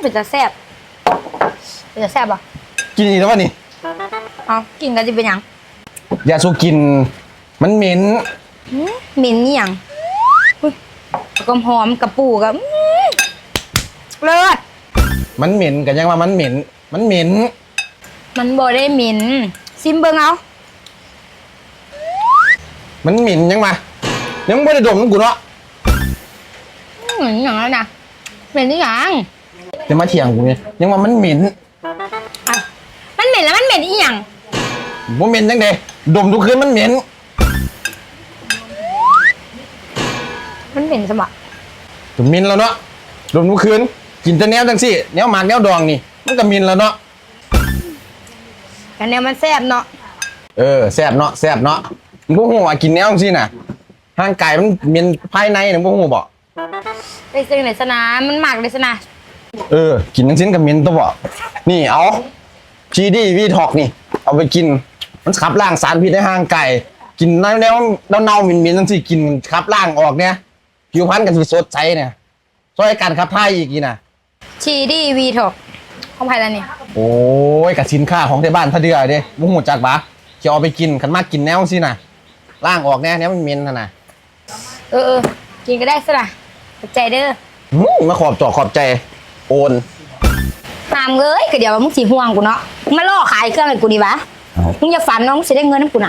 เป็นจะแซ่บป่ะกินอีกแล้ววะนี่เอากินกันจะเป็นยังอย่าสู้กินมันเหม็นเหม็นนี่ยังก็หอมกับปูกับเลิศมันเหม็นกันยังว่ามันเหม็นมันบ่ได้เหม็นซิมเบิ้งเอามันเหม็นยังมายังไม่ได้ดมน้ำกูเนาะเหม็นอย่างนั้นนะเหม็นนี่ยังจะมาเถียงกูเนี่ยยังว่ามันเหม็นมันเหม็นแล้วมันเหม็นอีหยังว่าเหม็นยังไงดมทุกคืนมันเหม็นสมะดมเหม็นแล้วเนาะดมทุกคืนกินแต่แนวจังสิแนวหมากแนวดองนี่มันก็เหม็นแล้วเนาะแต่แนวมันแซ่บเนาะแซ่บเนาะมึงพวกหัวกินแนวจังสิน่ะร่างกายมันเหม็นภายในนะพวกหัวบอกไปซื้อไหนสนามันหมักเลยสนะกินทั้งชิ้นกับเหม็นตัวบอกนี่เอาชีดีวีท็อกนี่เอาไปกินมันขับล้างสารพิษในร่างกายกินแนวเน่าเหม็นจังสิกินขับล้างออกเนี่ยผิวพรรณกันสิสดใสเนี่ยช่วยการขับถ่ายอีกนะชีดีวีถกของใครแล้วนี่โอ้ยกับสินค้าของที่บ้านถ้าเดือดเด้มุ้งหูจักบะจะเอาไปกินกันมากกินแนวสินะล่างออกแน่มันเหม็นนะกินก็ได้สินะขอบใจเด้อมาขอบใจโอนห้ามเลยก็เดี๋ยวมึงสีห่วงกูเนาะมาล่อขายเครื่องให้กูดีวะมึงอย่าฝันน้องสิได้เงินน้ำกูน่ะ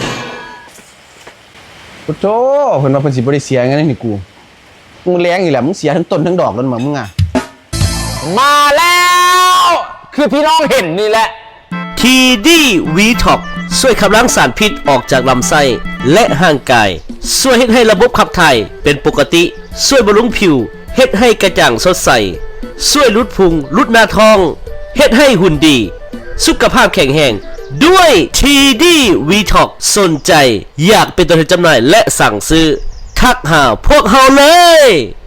โอ้โหเพิ่นว่าเพิ่นสิบ่ได้เสียเงินนี่กูมึงแรงอีกแหละมึงเสียทั้งต้นทั้งดอกแล้วมึงอ่ะมาแล้วคือพี่น้องเห็นนี่แหละทีดีวีท็อกช่วยขับล้างสารพิษออกจากลำไส้และห่างกายช่วยให้ระบบขับถ่ายเป็นปกติช่วยบำรุงผิวเฮ็ดให้กระจ่างสดใสช่วยลดพุงลดหน้าท้องเฮ็ดให้หุ่นดีสุขภาพแข็งแรงด้วยทีดีวีท็อกสนใจอยากเป็นตัวแทนจำหน่ายและสั่งซื้อทักหาพวกเราเลย